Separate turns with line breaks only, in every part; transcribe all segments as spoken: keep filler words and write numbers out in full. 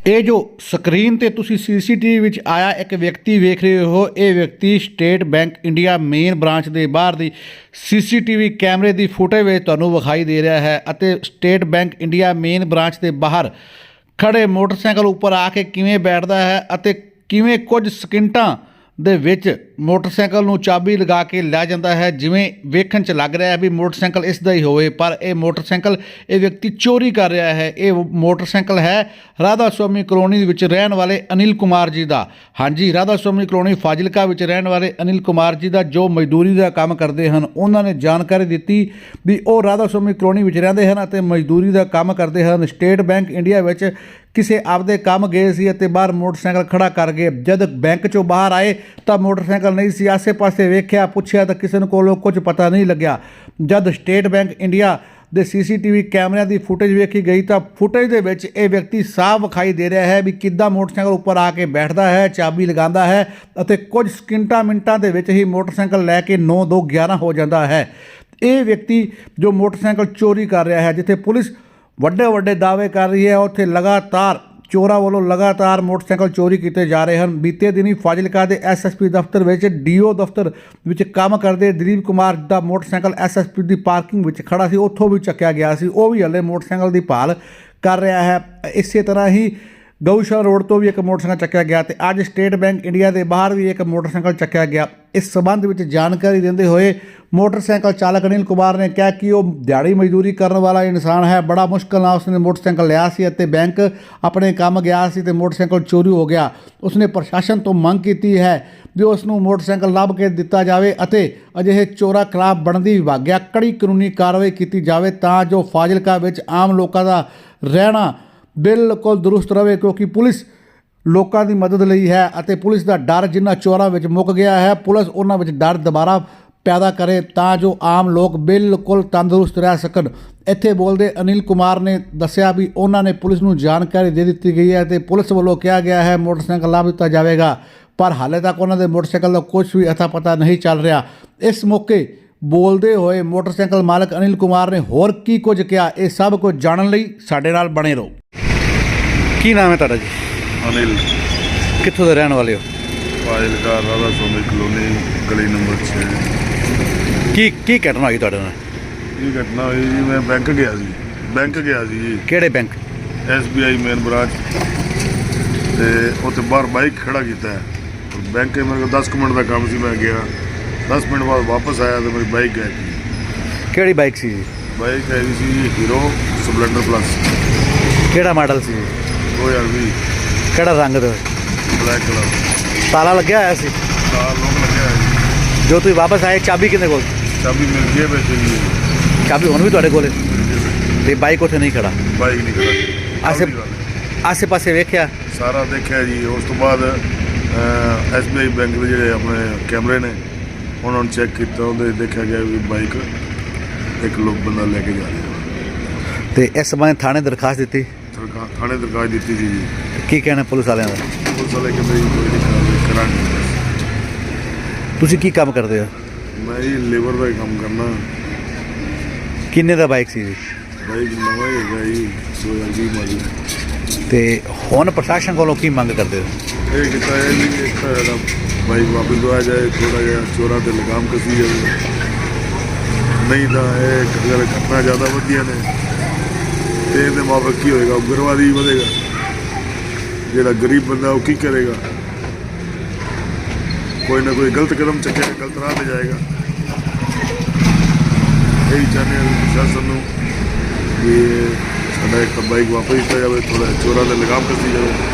ਇਹ ਜੋ ਸਕਰੀਨ ਤੇ ਤੁਸੀਂ ਸੀਸੀਟੀਵੀ ਵਿੱਚ ਆਇਆ ਇੱਕ ਵਿਅਕਤੀ ਵੇਖ ਰਹੇ ਹੋ, ਇਹ ਵਿਅਕਤੀ State Bank India main branch ਦੇ ਬਾਹਰ ਦੀ ਸੀਸੀਟੀਵੀ ਕੈਮਰੇ ਦੀ ਫੁਟੇਜ ਵਿੱਚ ਤੁਹਾਨੂੰ ਵਿਖਾਈ ਦੇ ਰਿਹਾ ਹੈ ਅਤੇ State Bank India main branch ਦੇ ਬਾਹਰ ਖੜੇ ਮੋਟਰਸਾਈਕਲ ਉੱਪਰ ਆ ਕੇ ਕਿਵੇਂ ਬੈਠਦਾ ਹੈ ਅਤੇ ਕਿਵੇਂ ਕੁਝ ਸਕਿੰਟਾਂ ਦੇ ਵਿੱਚ ਮੋਟਰਸਾਈਕਲ ਨੂੰ ਚਾਬੀ ਲਗਾ ਕੇ ਲੈ ਜਾਂਦਾ ਹੈ। ਜਿਵੇਂ ਵੇਖਣ 'ਚ ਲੱਗ ਰਿਹਾ ਹੈ ਵੀ ਮੋਟਰਸਾਈਕਲ ਇਸ ਦਾ ਹੀ ਹੋਵੇ, ਪਰ ਇਹ ਮੋਟਰਸਾਈਕਲ ਇਹ ਵਿਅਕਤੀ ਚੋਰੀ ਕਰ ਰਿਹਾ ਹੈ। ਇਹ ਮੋਟਰਸਾਈਕਲ ਹੈ ਰਾਧਾ ਸੁਆਮੀ ਕਲੋਨੀ ਵਿੱਚ ਰਹਿਣ ਵਾਲੇ ਅਨਿਲ ਕੁਮਾਰ ਜੀ ਦਾ। ਹਾਂਜੀ, ਰਾਧਾ ਸੁਆਮੀ ਕਲੋਨੀ ਫਾਜ਼ਿਲਕਾ ਵਿੱਚ ਰਹਿਣ ਵਾਲੇ ਅਨਿਲ ਕੁਮਾਰ ਜੀ ਦਾ, ਜੋ ਮਜ਼ਦੂਰੀ ਦਾ ਕੰਮ ਕਰਦੇ ਹਨ। ਉਹਨਾਂ ਨੇ ਜਾਣਕਾਰੀ ਦਿੱਤੀ ਵੀ ਉਹ ਰਾਧਾ ਸੁਆਮੀ ਕਲੋਨੀ ਵਿੱਚ ਰਹਿੰਦੇ ਹਨ ਅਤੇ ਮਜ਼ਦੂਰੀ ਦਾ ਕੰਮ ਕਰਦੇ ਹਨ। ਸਟੇਟ ਬੈਂਕ ਇੰਡੀਆ ਵਿੱਚ ਕਿਸੇ ਆਪਦੇ ਕੰਮ ਗਏ ਸੀ ਅਤੇ ਬਾਹਰ ਮੋਟਰਸਾਈਕਲ ਖੜਾ ਕਰ ਗਏ। ਜਦ ਬੈਂਕ 'ਚੋਂ ਬਾਹਰ ਆਏ ਤਾਂ ਮੋਟਰਸਾਈਕਲ ਨਹੀਂ ਸੀ। ਆਸੇ ਪਾਸੇ ਵੇਖਿਆ, ਪੁੱਛਿਆ ਤਾਂ ਕਿਸੇ ਨੂੰ ਕੋਲੋਂ ਕੁਝ ਪਤਾ ਨਹੀਂ ਲੱਗਿਆ। ਜਦ ਸਟੇਟ ਬੈਂਕ ਇੰਡੀਆ ਦੇ ਸੀਸੀਟੀਵੀ ਕੈਮਰਿਆਂ ਦੀ ਫੁਟੇਜ ਵੇਖੀ ਗਈ ਤਾਂ ਫੁਟੇਜ ਦੇ ਵਿੱਚ ਇਹ ਵਿਅਕਤੀ ਸਾਫ਼ ਵਿਖਾਈ ਦੇ ਰਿਹਾ ਹੈ ਵੀ ਕਿੱਦਾਂ ਮੋਟਰਸਾਈਕਲ ਉੱਪਰ ਆ ਕੇ ਬੈਠਦਾ ਹੈ, ਚਾਬੀ ਲਗਾਉਂਦਾ ਹੈ ਅਤੇ ਕੁਝ ਸਕਿੰਟਾਂ ਮਿੰਟਾਂ ਦੇ ਵਿੱਚ ਹੀ ਮੋਟਰਸਾਈਕਲ ਲੈ ਕੇ ਨੌ ਦੋ ਗਿਆਰਾਂ ਹੋ ਜਾਂਦਾ ਹੈ। ਇਹ ਵਿਅਕਤੀ ਜੋ ਮੋਟਰਸਾਈਕਲ ਚੋਰੀ ਕਰ ਰਿਹਾ ਹੈ, ਜਿੱਥੇ ਪੁਲਿਸ ਵੱਡੇ ਵੱਡੇ ਦਾਅਵੇ ਕਰ ਰਹੀ ਹੈ, ਉੱਥੇ ਲਗਾਤਾਰ ਚੋਰਾਂ ਵੱਲੋਂ ਲਗਾਤਾਰ ਮੋਟਰਸਾਈਕਲ ਚੋਰੀ ਕੀਤੇ ਜਾ ਰਹੇ ਹਨ। ਬੀਤੇ ਦਿਨੀ ਫਾਜ਼ਿਲਕਾ ਦੇ ਐਸਐਸਪੀ ਦਫ਼ਤਰ ਵਿੱਚ ਡੀਓ ਦਫ਼ਤਰ ਵਿੱਚ ਕੰਮ ਕਰਦੇ ਦਿਲੀਪ ਕੁਮਾਰ ਦਾ ਮੋਟਰਸਾਈਕਲ ਐਸਐਸਪੀ ਦੀ ਪਾਰਕਿੰਗ ਵਿੱਚ ਖੜਾ ਸੀ, ਉੱਥੋਂ ਵੀ ਚੱਕਿਆ ਗਿਆ ਸੀ। ਉਹ ਵੀ ਹਲੇ ਮੋਟਰਸਾਈਕਲ ਦੀ ਭਾਲ ਕਰ ਰਿਹਾ ਹੈ। ਇਸੇ ਤਰ੍ਹਾਂ ਹੀ ਗਊਸ਼ਾਲਾ ਰੋਡ ਤੋਂ ਵੀ ਇੱਕ ਮੋਟਰਸਾਈਕਲ ਚੱਕਿਆ ਗਿਆ ਤੇ ਅੱਜ ਸਟੇਟ ਬੈਂਕ ਇੰਡੀਆ ਦੇ ਬਾਹਰ ਵੀ ਇੱਕ ਮੋਟਰਸਾਈਕਲ ਚੱਕਿਆ ਗਿਆ। ਇਸ ਸਬੰਧ ਵਿੱਚ ਜਾਣਕਾਰੀ ਦਿੰਦੇ ਹੋਏ ਮੋਟਰਸਾਈਕਲ ਚਾਲਕ ਅਨਿਲ ਕੁਮਾਰ ਨੇ ਕਿਹਾ ਕਿ ਉਹ ਦਿਹਾੜੀ ਮਜ਼ਦੂਰੀ ਕਰਨ ਵਾਲਾ ਇਨਸਾਨ ਹੈ। ਬੜਾ ਮੁਸ਼ਕਲ ਨਾਲ ਉਸਨੇ ਮੋਟਰਸਾਈਕਲ ਲਿਆ ਸੀ ਅਤੇ ਬੈਂਕ ਆਪਣੇ ਕੰਮ ਗਿਆ ਸੀ ਤੇ ਮੋਟਰਸਾਈਕਲ ਚੋਰੀ ਹੋ ਗਿਆ। ਉਸਨੇ ਪ੍ਰਸ਼ਾਸਨ ਤੋਂ ਮੰਗ ਕੀਤੀ ਹੈ ਵੀ ਉਸ ਨੂੰ ਮੋਟਰਸਾਈਕਲ ਲੱਭ ਕੇ ਦਿੱਤਾ ਜਾਵੇ ਅਤੇ ਅਜਿਹੇ ਚੋਰਾਂ ਖਿਲਾਫ ਬਣਦੀ ਵਿਭਾਗਿਆ ਕੜੀ ਕਾਨੂੰਨੀ ਕਾਰਵਾਈ ਕੀਤੀ ਜਾਵੇ ਤਾਂ ਜੋ ਫਾਜ਼ਿਲਕਾ ਵਿੱਚ ਆਮ ਲੋਕਾਂ ਦਾ ਰਹਿਣਾ ਬਿਲਕੁਲ ਦਰੁਸਤ ਰਹੇ, ਕਿਉਂਕਿ ਪੁਲਿਸ ਲੋਕਾਂ ਦੀ ਮਦਦ ਲਈ ਹੈ ਅਤੇ ਪੁਲਿਸ ਦਾ ਡਰ ਜਿਨ੍ਹਾਂ ਚੋਰਾਂ ਵਿੱਚ ਮੁੱਕ ਗਿਆ ਹੈ, ਪੁਲਿਸ ਉਹਨਾਂ ਵਿੱਚ ਡਰ ਦੁਬਾਰਾ ਪੈਦਾ ਕਰੇ ਤਾਂ ਜੋ ਆਮ ਲੋਕ ਬਿਲਕੁਲ ਤੰਦਰੁਸਤ ਰਹਿ ਸਕਣ। ਇੱਥੇ ਬੋਲਦੇ ਅਨਿਲ ਕੁਮਾਰ ਨੇ ਦੱਸਿਆ ਵੀ ਉਹਨਾਂ ਨੇ ਪੁਲਿਸ ਨੂੰ ਜਾਣਕਾਰੀ ਦੇ ਦਿੱਤੀ ਗਈ ਹੈ ਅਤੇ ਪੁਲਿਸ ਵੱਲੋਂ ਕਿਹਾ ਗਿਆ ਹੈ ਮੋਟਰਸਾਈਕਲ ਲੱਭ ਦਿੱਤਾ ਜਾਵੇਗਾ, ਪਰ ਹਾਲੇ ਤੱਕ ਉਹਨਾਂ ਦੇ ਮੋਟਰਸਾਈਕਲ ਦਾ ਕੁਝ ਵੀ ਅਤਾ ਪਤਾ ਨਹੀਂ ਚੱਲ ਰਿਹਾ। ਇਸ ਮੌਕੇ ਬੋਲਦੇ ਹੋਏ ਮੋਟਰਸਾਈਕਲ ਮਾਲਕ ਅਨਿਲ ਕੁਮਾਰ ਨੇ ਹੋਰ ਕੀ ਕੁਝ ਕਿਹਾ, ਇਹ ਸਭ ਕੁਝ ਜਾਣਨ ਲਈ ਸਾਡੇ ਨਾਲ ਬਣੇ ਰਹੋ। ਕੀ ਨਾਮ ਹੈ ਤੁਹਾਡਾ ਜੀ?
ਅਨਿਲ।
ਕਿੱਥੋਂ ਦੇ ਰਹਿਣ ਵਾਲੇ ਹੋ?
ਫਾਜ਼ਿਲਕਾ ਰਾਧਾ ਸੁਆਮੀ ਕਲੋਨੀ ਗਲੀ ਨੰਬਰ ਛੇ।
ਕੀ ਕੀ ਘਟਨਾ ਹੋਈ ਤੁਹਾਡੇ ਨਾਲ?
ਇਹ ਘਟਨਾ ਹੋਈ ਜੀ, ਮੈਂ ਬੈਂਕ ਗਿਆ ਸੀ ਬੈਂਕ ਗਿਆ ਸੀ ਜੀ।
ਕਿਹੜੇ bank?
S B I main branch. ਤੇ ਉੱਥੇ ਬਾਹਰ ਬਾਈਕ ਖੜਾ ਕੀਤਾ ਹੈ ਬੈਂਕ। ਮੇਰੇ ਕੋਲ ਦਸ ਕੁ ਮਿੰਟ ਦਾ ਕੰਮ ਸੀ, ਮੈਂ ਗਿਆ ਦਸ ਮਿੰਟ ਬਾਅਦ ਵਾਪਸ ਆਇਆ ਤੇ ਮੇਰੀ ਬਾਈਕ ਗਾਇਬ ਸੀ।
ਕਿਹੜੀ ਬਾਈਕ ਸੀ ਜੀ?
ਬਾਈਕ ਹੈਗੀ ਸੀ ਜੀ ਹੀਰੋ ਸਪਲੈਂਡਰ ਪਲੱਸ।
ਕਿਹੜਾ ਮਾਡਲ ਸੀ ਜੀ?
ਦੋ ਹਜ਼ਾਰ ਵੀਹ।
ਕਿਹੜਾ ਰੰਗ ਦਾ?
Black colour.
ਤਾਲਾ ਲੱਗਿਆ ਹੋਇਆ ਸੀ?
ਤਾਲਾ ਲੋਕ ਲੱਗਿਆ ਹੋਇਆ ਜੀ।
ਜੋ ਤੁਸੀਂ ਵਾਪਸ ਆਏ ਚਾਬੀ ਕਿਹਦੇ ਕੋਲ?
ਚਾਬੀ ਮਿਲ ਗਈ ਵਿੱਚ ਜੀ।
ਚਾਬੀ ਹੁਣ ਵੀ ਤੁਹਾਡੇ ਕੋਲ ਹੈ ਤੇ ਬਾਈਕ ਉੱਥੇ ਨਹੀਂ ਖੜਾ?
ਬਾਈਕ ਨਹੀਂ ਖੜਾ।
ਆਸੇ ਆਸੇ ਪਾਸੇ ਵੇਖਿਆ? ਸਾਰਾ
ਦੇਖਿਆ ਜੀ। ਉਸ ਤੋਂ ਬਾਅਦ ਐਸ ਬੀ ਆਈ ਬੈਂਕ ਦੇ ਜਿਹੜੇ ਆਪਣੇ ਕੈਮਰੇ ਨੇ ਉਹਨਾਂ ਨੂੰ ਚੈੱਕ ਕੀਤਾ, ਉਹਦੇ ਦੇਖਿਆ ਗਿਆ ਵੀ ਬਾਈਕ ਇੱਕ ਲੋਕ ਬੰਦਾ ਲੈ ਕੇ ਜਾ ਰਿਹਾ।
ਤੇ ਇਸ ਸੰਬੰਧ ਥਾਣੇ ਦਰਖਾਸਤ ਦਿੱਤੀ?
ਥਾਣੇ ਦਰਖਾਸਤ ਦਿੱਤੀ ਸੀ ਜੀ।
ਕੀ ਕਹਿਣਾ ਪੁਲਿਸ ਵਾਲਿਆਂ ਦਾ?
ਪੁਲਿਸ ਵਾਲੇ ਕਹਿੰਦੇ ਜੀ ਕੋਈ ਨਹੀਂ ਕਾਰਵਾਈ ਕਰਾਂਗੇ।
ਤੁਸੀਂ ਕੀ ਕੰਮ ਕਰਦੇ ਹੋ?
ਮੈਂ ਜੀ ਲੇਬਰ ਦਾ ਹੀ ਕੰਮ ਕਰਨਾ।
ਕਿੰਨੇ ਦਾ ਬਾਈਕ ਸੀ ਜੀ?
ਬਾਈਕ ਨਵਾਂ ਹੀ ਹੈਗਾ ਜੀ, ਦੋ ਹਜ਼ਾਰ ਵੀਹ ਮਾਡਲ।
ਤੇ ਹੁਣ ਪ੍ਰਸ਼ਾਸਨ ਕੋਲੋਂ ਕੀ ਮੰਗ ਕਰਦੇ ਹੋ?
ਇਹ ਕੀਤਾ ਹੈ ਜੀ ਇੱਕ ਤਾਂ ਸਾਡਾ ਬਾਈਕ ਵਾਪਸ ਦਵਾਇਆ ਜਾਏ, ਥੋੜ੍ਹਾ ਜਿਹਾ ਚੋਰਾਂ 'ਤੇ ਲਗਾਮ ਕੱਸੀ ਜਾਵੇ, ਨਹੀਂ ਤਾਂ ਇਹ ਅਗਰ ਘਟਨਾ ਜ਼ਿਆਦਾ ਵਧੀਆਂ ਨੇ ਤੇ ਇਹਦੇ ਮਾਪੇ ਕੀ ਹੋਏਗਾ? ਉਗਰਵਾਦੀ ਵਧੇਗਾ। ਜਿਹੜਾ ਗਰੀਬ ਬੰਦਾ ਉਹ ਕੀ ਕਰੇਗਾ? ਕੋਈ ਨਾ ਕੋਈ ਗਲਤ ਕਦਮ ਚੱਕੇਗਾ, ਗਲਤ ਰਾਹ 'ਤੇ ਜਾਏਗਾ। ਇਹੀ ਚਾਹੁੰਦੇ ਹਾਂ ਪ੍ਰਸ਼ਾਸਨ ਨੂੰ ਵੀ ਸਾਡਾ ਇੱਕ ਬਾਈਕ ਵਾਪਸ ਦਿੱਤਾ ਜਾਵੇ, ਥੋੜਾ ਚੋਰਾਂ ਦੇ ਲਗਾਮ ਕੱਸੀ जाए।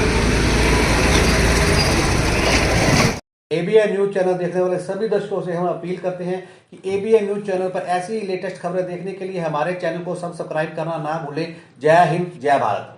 एबीएन न्यूज़ चैनल देखने वाले सभी दर्शकों से हम अपील करते हैं कि एबीएन न्यूज़ चैनल पर ऐसी ही लेटेस्ट खबरें देखने के लिए हमारे चैनल को सब्सक्राइब करना ना भूलें। जय हिंद, जय भारत।